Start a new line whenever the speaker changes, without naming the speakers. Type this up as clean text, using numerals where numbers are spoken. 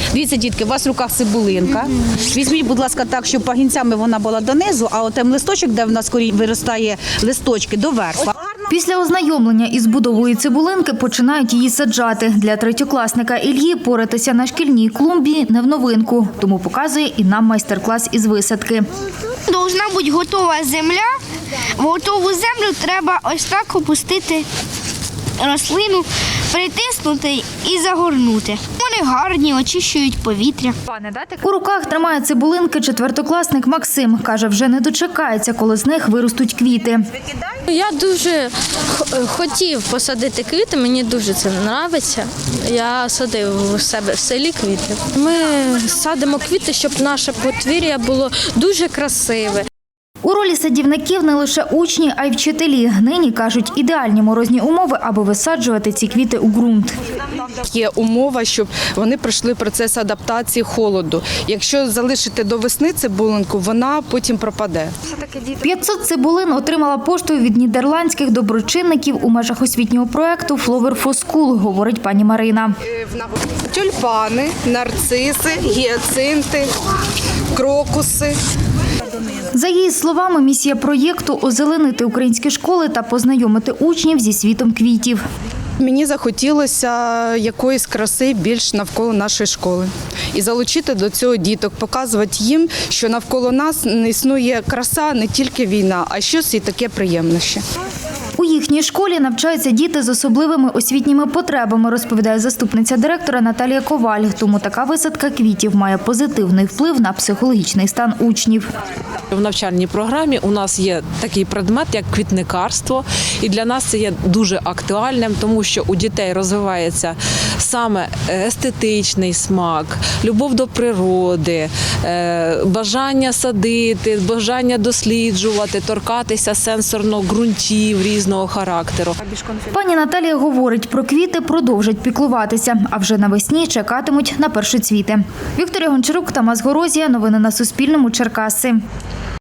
Дивіться, дітки, у вас в руках цибулинка. Візьміть, будь ласка, так, щоб пагінцями вона була донизу, а отем листочок, де в нас виростає листочки, доверху.
Після ознайомлення із будовою цибулинки починають її саджати. Для третьокласника Ільї поратися на шкільній клумбі не в новинку, тому показує і нам майстер-клас із висадки.
Должна бути готова земля. В готову землю треба ось так опустити рослину, притиснути і загорнути. Вони гарні, очищують повітря.
У руках тримає цибулинки четвертокласник Максим. Каже, вже не дочекається, коли з них виростуть квіти.
Я дуже хотів посадити квіти, мені дуже це подобається. Я садив у себе в селі квіти. Ми садимо квіти, щоб наше подвір'я було дуже красиве.
У ролі садівників не лише учні, а й вчителі. Нині, кажуть, ідеальні морозні умови, аби висаджувати ці квіти у ґрунт.
Є умова, щоб вони пройшли процес адаптації холоду. Якщо залишити до весни цибулинку, вона потім пропаде.
500 цибулин отримала поштою від нідерландських доброчинників у межах освітнього проєкту «Flower for School», говорить пані Марина.
Тюльпани, нарциси, гіацинти, крокуси.
За її словами, місія проєкту – озеленити українські школи та познайомити учнів зі світом квітів.
Мені захотілося якоїсь краси більш навколо нашої школи. І залучити до цього діток, показувати їм, що навколо нас існує краса, не тільки війна, а щось і таке приємне ще.
У їхній школі навчаються діти з особливими освітніми потребами, розповідає заступниця директора Наталія Коваль. Тому така висадка квітів має позитивний вплив на психологічний стан учнів.
В навчальній програмі у нас є такий предмет, як квітникарство. І для нас це є дуже актуальним, тому що у дітей розвивається саме естетичний смак, любов до природи, бажання садити, бажання досліджувати, торкатися сенсорно ґрунтів різного характеру.
Пані Наталія говорить, про квіти продовжать піклуватися, а вже навесні чекатимуть на першоцвіти. Вікторія Гончарук, Тамас Горозія. Новини на Суспільному. Черкаси.